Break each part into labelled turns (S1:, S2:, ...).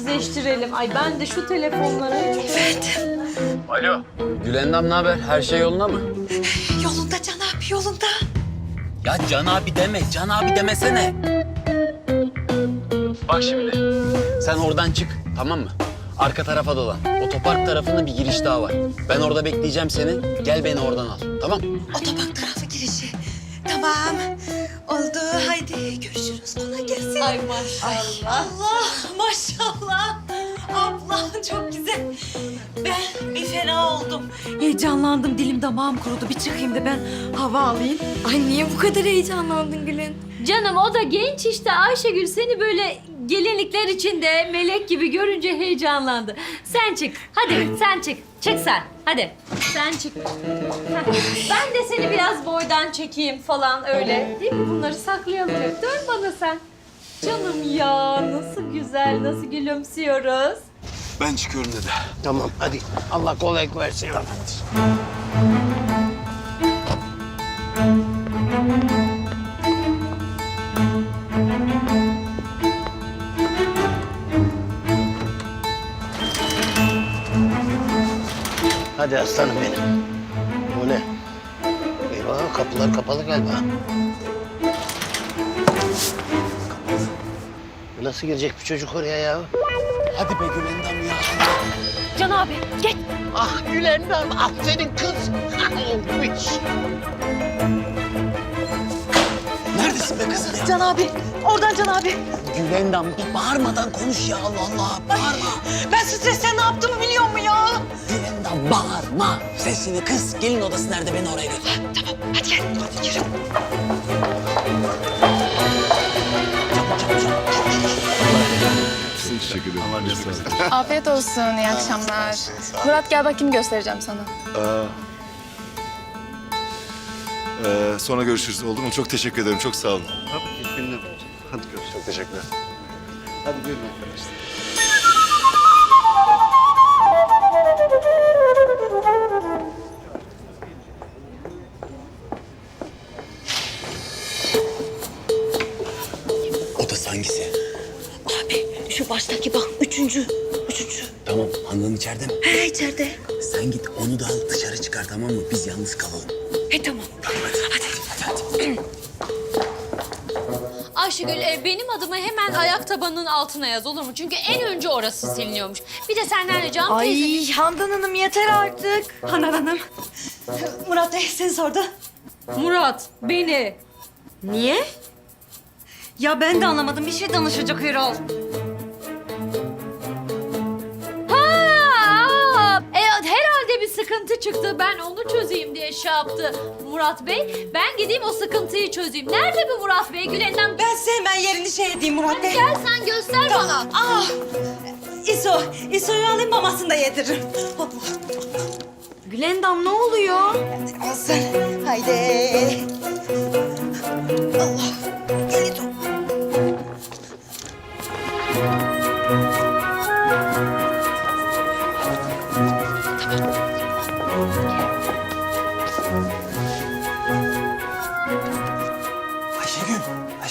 S1: sessizleştirelim. Ay ben de şu telefonları...
S2: Evet.
S3: Alo. Gülendam ne haber? Her şey yolunda mı?
S2: Yolunda Can abi, yolunda.
S3: Ya Can abi deme, Can abi demesene. Bak şimdi, sen oradan çık, tamam mı? Arka tarafa dolan. Otopark tarafında bir giriş daha var. Ben orada bekleyeceğim seni. Gel beni oradan al, tamam?
S2: Otobank tarafı girişi. Tamam. Oldu. Haydi görüşürüz. Kolay gelsin.
S1: Ay maşallah.
S2: Allah maşallah. Abla çok güzel. Ben bir fena oldum. Heyecanlandım. Dilim damağım kurudu. Bir çıkayım da ben hava alayım.
S4: Ay niye bu kadar heyecanlandın Gül'ün?
S1: Canım o da genç işte. Ayşegül seni böyle gelinlikler içinde melek gibi görünce heyecanlandı. Sen çık. Hadi sen çık. Çık sen. Hadi. Sen çık. Heh. Ben de seni biraz boydan çekeyim falan öyle. Değil mi? Bunları saklayalım. Dön bana sen. Canım ya nasıl güzel, nasıl gülümsüyoruz.
S3: Ben çıkıyorum dedi.
S5: Tamam hadi. Allah kolaylık versin. Hadi aslanım benim. Bu ne? Eyvah kapılar kapalı galiba. Nasıl girecek bir çocuk oraya ya?
S3: Hadi be Gülendam ya.
S1: Can abi geç.
S5: Ah Gülendam, aferin kız. Olmuş.
S3: Neredesin be kızım ya?
S2: Can abi. Oradan Can abi.
S3: Gülendam bir bağırmadan konuş ya Allah Allah. Bağırma.
S2: Ben stresten ne yaptığımı biliyor mu ya?
S3: Gülendam bağırma. Sesini kız. Gelin odası nerede? Beni oraya götür.
S2: Tamam hadi gel. Hadi yürü.
S6: Teşekkür ederim.
S4: Afiyet olsun, iyi akşamlar. Murat gel bakayım göstereceğim sana.
S6: Sonra görüşürüz oldu mu? Çok teşekkür ederim. Çok sağ olun.
S5: Hadi görüşürüz.
S6: Çok teşekkürler.
S5: Hadi buyurun arkadaşlar.
S3: Odası hangisi?
S2: Abi şu baştaki bak üçüncü.
S3: Tamam. Handan içeride mi?
S2: He içeride.
S3: Sen git onu da al dışarı çıkar tamam mı? Biz yalnız kalalım.
S2: He tamam.
S3: Hadi.
S1: Ayşegül benim adımı hemen ayak tabanının altına yaz olur mu? Çünkü en önce orası siliniyormuş. Bir de senden ricam teyze.
S2: Ay Handan Hanım yeter artık. Handan Hanım. Murat Bey seni sordu.
S1: Murat beni.
S2: Niye? Ya ben de anlamadım. Bir şey danışacak Erol.
S1: Herhalde bir sıkıntı çıktı. Ben onu çözeyim diye şey yaptı Murat Bey. Ben gideyim o sıkıntıyı çözeyim. Nerede bu Murat Bey? Gülendam
S2: Ben size hemen yerini şey edeyim Murat Bey.
S1: gel sen göster bana.
S2: Ah! İso'yu alayım mamasını da yediririm. Allah.
S4: Gülendam ne oluyor?
S2: Olsun. Haydi. Allah. Gel İso.
S3: Ayşegül.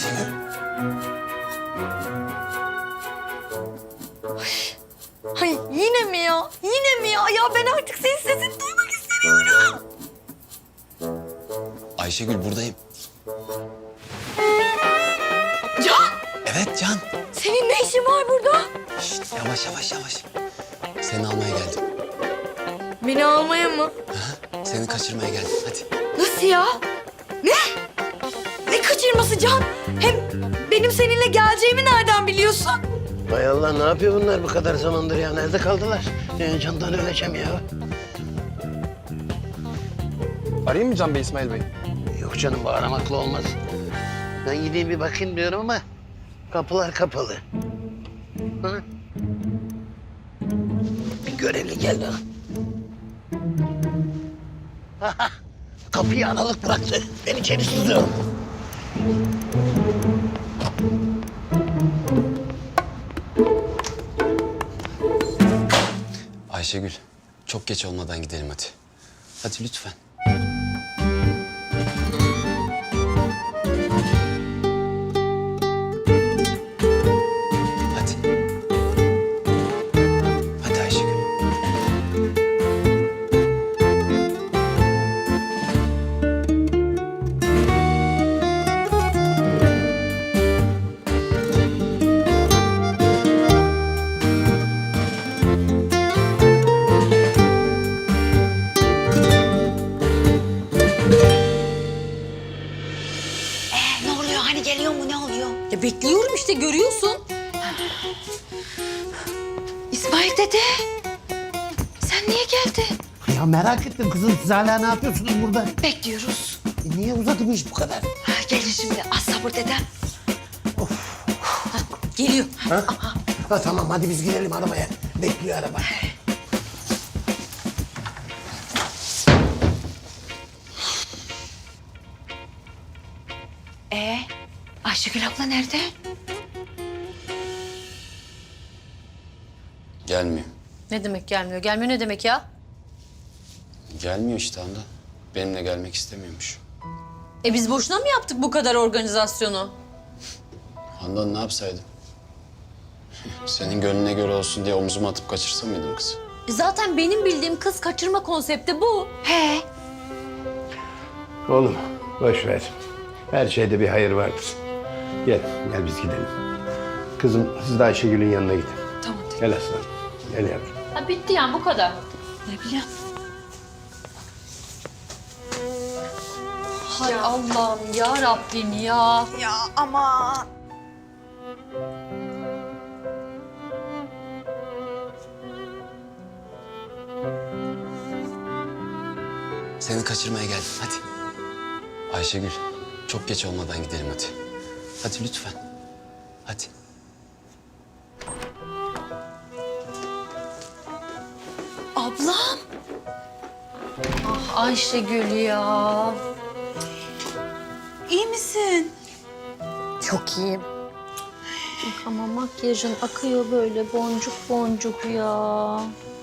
S4: Ay yine mi ya? Yine mi ya? Ya ben artık senin sesini duymak istemiyorum.
S3: Ayşegül buradayım.
S4: Can!
S3: Evet Can.
S4: Senin ne işin var burada?
S3: Şişt, yavaş. Seni almaya geldim.
S4: Beni almaya mı?
S3: Seni kaçırmaya geldim. Hadi.
S4: Nasıl ya? Ne? Ne kaçırması Can? Hem benim seninle geleceğimi nereden biliyorsun?
S5: Hay Allah ne yapıyor bunlar bu kadar zamandır ya? Nerede kaldılar? Candan öleceğim ya.
S7: Arayayım mı Can Bey, İsmail Bey?
S5: Yok canım bu aramakla olmaz. Ben gideyim bir bakayım diyorum ama kapılar kapalı. Hı? Bir görevli geldi. Kapıyı aralık bıraktı. Ben içeri sızıyorum.
S3: Ayşegül çok geç olmadan gidelim hadi. Hadi lütfen. Hadi.
S4: İsmail dede. Sen niye geldin?
S5: Ya merak ettim kızım, siz hala ne yapıyorsunuz burada?
S4: Bekliyoruz.
S5: Niye uzadı bu iş bu kadar?
S4: Gelin şimdi. Az sabır dedem. Geliyor.
S5: Ha, tamam hadi biz gidelim arabaya. Bekliyor araba.
S4: Ayşegül abla nerede?
S3: Gelmiyor.
S1: Ne demek gelmiyor? Gelmiyor ne demek ya?
S3: Gelmiyor işte Handan. Benimle gelmek istemiyormuş.
S1: Biz boşuna mı yaptık bu kadar organizasyonu?
S3: Handan ne yapsaydım? Senin gönlüne göre olsun diye omzuma atıp kaçırsam mıydım kızı?
S1: Zaten benim bildiğim kız kaçırma konsepti bu.
S4: He.
S8: Oğlum boş ver. Her şeyde bir hayır vardır. Gel biz gidelim. Kızım siz de Ayşegül'ün yanına gidin.
S4: Tamam dede.
S8: Gel aslanım. Gel yavrum.
S1: Ha bitti yani bu kadar.
S4: Ne bileyim.
S1: Hay Allah'ım ya Rabbim ya.
S4: Ya ama.
S3: Seni kaçırmaya geldim hadi. Ayşegül çok geç olmadan gidelim hadi. Hadi lütfen. Hadi.
S4: Ablam.
S1: Ayşegül ya.
S2: İyi misin?
S4: Çok iyiyim.
S1: Ama makyajın akıyor böyle boncuk boncuk ya.